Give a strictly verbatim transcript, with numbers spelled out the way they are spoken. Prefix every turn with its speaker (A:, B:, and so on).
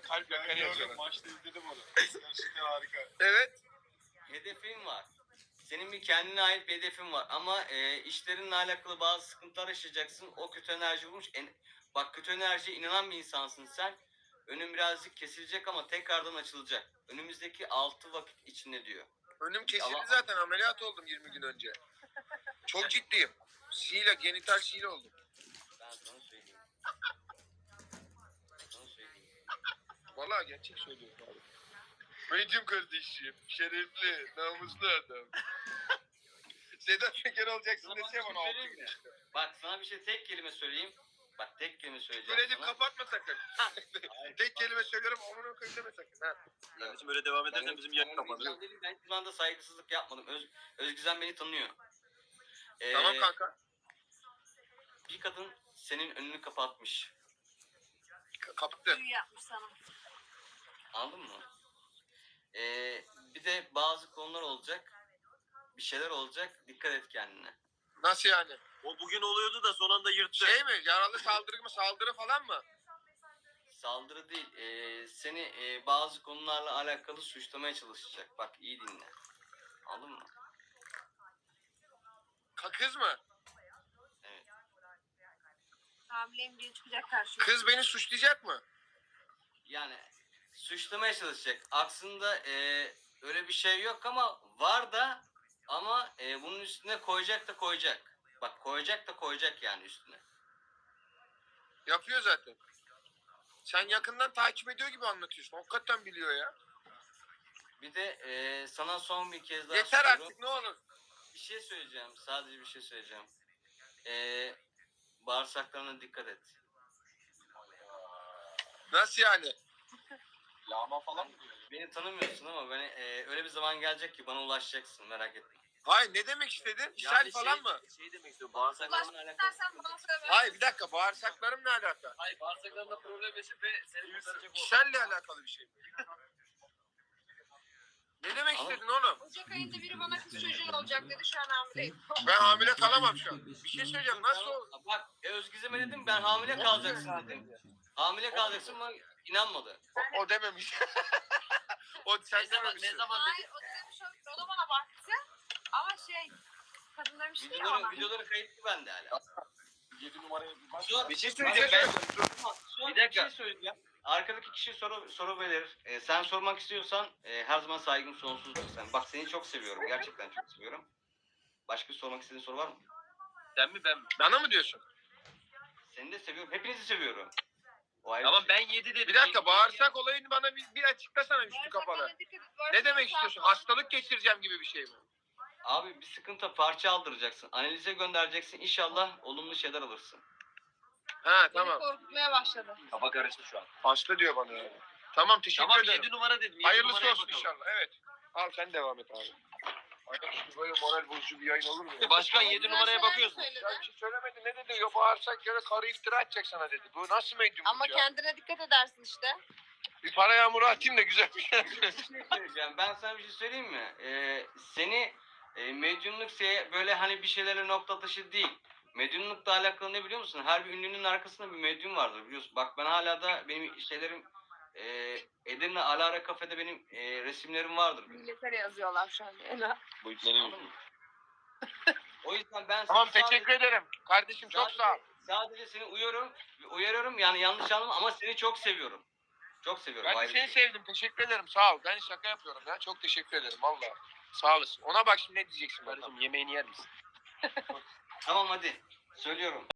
A: Bana kalp yakar yazıyorlar.
B: Maçta izledim onu. Gerçekten harika.
A: Evet.
C: Hedefin var. Senin bir kendine ait bir hedefin var ama e, işlerinle alakalı bazı sıkıntılar yaşayacaksın. O kötü enerji bulmuş. En, bak kötü enerjiye inanan bir insansın sen. Önün birazcık kesilecek ama tekrardan açılacak. Önümüzdeki altı vakit içinde diyor.
A: Önüm kesildi
C: Allah-
A: zaten, ameliyat oldum yirmi gün önce. Çok ciddiyim. Şile, genital şile oldum.
C: Ben sana söyleyeyim. Sana söyleyeyim.
A: Vallahi gerçek söylüyorum abi.
B: Medyum kardeşim. Şerefli, namuslu adam.
A: Sedat Peker olacaksın
C: Sana bak,
A: desem
C: bir
A: ona
C: şey
A: altı
C: söyleyeyim
A: gün
C: mi?
A: işte.
C: Bak sana bir şey tek kelime söyleyeyim. Bak tek kelime söyleyeceğim
A: Böyle edip
C: sana.
A: kapatma sakın.
C: Hayır,
A: Tek
C: bak-
A: kelime söylüyorum, amına koyayım deme sakın. Ha.
D: Kardeşim böyle devam edersen
C: Ben-
D: bizim yayın
C: ben-
D: kapanır.
C: Ben, ben hiçbir zaman da saygısızlık yapmadım. Öz, Özgüzen beni tanıyor. Ee,
A: Tamam kanka.
C: Bir kadın senin önünü kapatmış.
A: K- Kapattı.
E: Büyü yapmış sana.
C: Anladın mı? Ee, bir de bazı konular olacak. Bir şeyler olacak. Dikkat et kendine.
A: Nasıl yani?
D: O bugün oluyordu da son anda yırttı.
A: Şey mi? Yaralı saldırı mı? Saldırı falan mı?
C: Saldırı değil. ee, seni ee, bazı konularla alakalı suçlamaya çalışacak. Bak iyi dinle. Anladın mı?
A: Ka- Kız mı?
C: Evet.
E: Hamileyim diye çıkacak karşıma.
A: Kız beni suçlayacak mı?
C: Yani suçlamaya çalışacak. Aslında ee, öyle bir şey yok ama var da ama ee, bunun üstüne koyacak da koyacak. Bak koyacak da koyacak yani üstüne.
A: Yapıyor zaten. Sen yakından takip ediyor gibi anlatıyorsun. Hakikaten biliyor ya.
C: Bir de ee, sana son bir kez daha
A: Yeter
C: soruyorum.
A: artık, ne olur.
C: Bir şey söyleyeceğim. Sadece bir şey söyleyeceğim. Ee, bağırsaklarına dikkat et.
A: Nasıl yani?
B: Lağma falan mı diyor?
C: Beni tanımıyorsun ama beni ee, öyle bir zaman gelecek ki bana ulaşacaksın. Merak etme.
A: Hayır, ne demek istedin? İshal
D: Yani
A: falan
D: şey,
A: mı?
D: Şey demek istiyorum. Bağırsaklarına
C: Bağırsaklarına
E: Ulaşmak
C: alakalı.
E: istersen bana söyle.
A: Hayır, bir dakika, bağırsaklarım ne alaka?
D: Hayır, bağırsaklarında problem yaşayıp ve seni kurtaracak o.
A: İshalle alakalı bir şey mi? Ne demek
C: Ama-
A: istedin oğlum?
E: Ocak ayında biri bana kız çocuğun olacak dedi. Şu an hamileyim.
A: Ben hamile kalamam şu an. Bir şey söyleyeceğim, nasıl ol?
C: Bak e, Özgizem'e dedim ben hamile kalacaksın dedim. Hamile kalacaksın ama inanmadı.
A: O, o dememiş. O sen
D: Ne zaman, ne
A: dememişsin.
D: zaman
E: Hayır
D: dedi?
E: o demiş o, o da bana baktı. Ama şey kadın demişti ya
C: Videoları,
E: bana.
C: videoları kayıtlı bende hala.
B: yedi numaraya bir bak.
C: Suat,
D: Bir şey
A: Bir şey
D: söyleyeceğim ben.
A: söyleyeceğim.
C: Suat,
D: Bir
C: bir
D: dakika.
C: şey söyleyeceğim. Arkadaki kişi soru soru verir. E, sen sormak istiyorsan e, her zaman saygım sonsuzdur sen. Bak seni çok seviyorum. Gerçekten çok seviyorum. Başka sormak istediğin soru var mı?
D: Sen mi ben mi?
A: Bana mı diyorsun?
C: Seni de seviyorum. Hepinizi seviyorum. O ayrı
D: Tamam
C: bir şey.
D: ben yedi dedim.
A: Bir dakika, bağırsak olayını bana bir, bir açıklasana üstü kapalı.
E: Bağırsaklarına dikkat et,
A: Ne
E: bağırsak
A: demek
E: sağ-
A: istiyorsun? Hastalık geçireceğim gibi bir şey mi?
C: Abi bir sıkıntı parça aldıracaksın. Analize göndereceksin. İnşallah olumlu şeyler alırsın.
A: Ha
E: Beni
A: tamam.
E: korkutmaya başladı.
D: Kafa karıştı şu an.
A: Hasta diyor bana yani. Tamam, teşekkür
D: Tamam
A: ederim.
D: yedi numara dedim. yedi
A: Hayırlısı
D: numaraya
A: olsun
D: bakalım.
A: inşallah. Evet. Al sen devam et abi. Ayaküstü böyle moral bozucu bir yayın olur mu ya?
D: Başkan yedi
E: Güzel
D: numaraya
E: şeyler
D: bakıyoruz mu?
E: söyledi.
A: Ya bir şey söylemedi, ne dedi? Ya bağırsak yere karı iftira edecek sana dedi. Bu nasıl medyumluk
E: Ama
A: ya?
E: kendine dikkat edersin işte.
A: Bir para yağmuru atayım da güzel bir şey.
C: Bir şey söyleyeceğim. Ben sana bir şey söyleyeyim mi? Ee, seni e, medyumluk se- böyle hani bir şeylerle nokta atışı değil. Medyumlukla alakalı ne biliyor musun? Her bir ünlünün arkasında bir medyum vardır biliyorsun. Bak ben hala da benim şeylerim e, Edirne Alara Kafe'de benim e, resimlerim vardır.
E: Millete yazıyorlar şu an. Ela.
D: Bu iplerin
C: Anladın mı? O yüzden ben
A: Tamam,
C: sana
A: teşekkür ederim. Kardeşim çok
C: sadece,
A: sağ ol.
C: sadece seni uyarıyorum, uyarıyorum yani yanlış anlama ama seni çok seviyorum. Çok seviyorum.
A: Ben de
C: ayrı bir
A: seni
C: şey.
A: sevdim. Teşekkür ederim. Sağ ol. Ben şaka yapıyorum ya. Çok teşekkür ederim. Valla. Sağ olasın. Ona bak şimdi ne diyeceksin bakalım.
D: Kardeşim yemeğini yer misin?
C: Tamam hadi. Söylüyorum.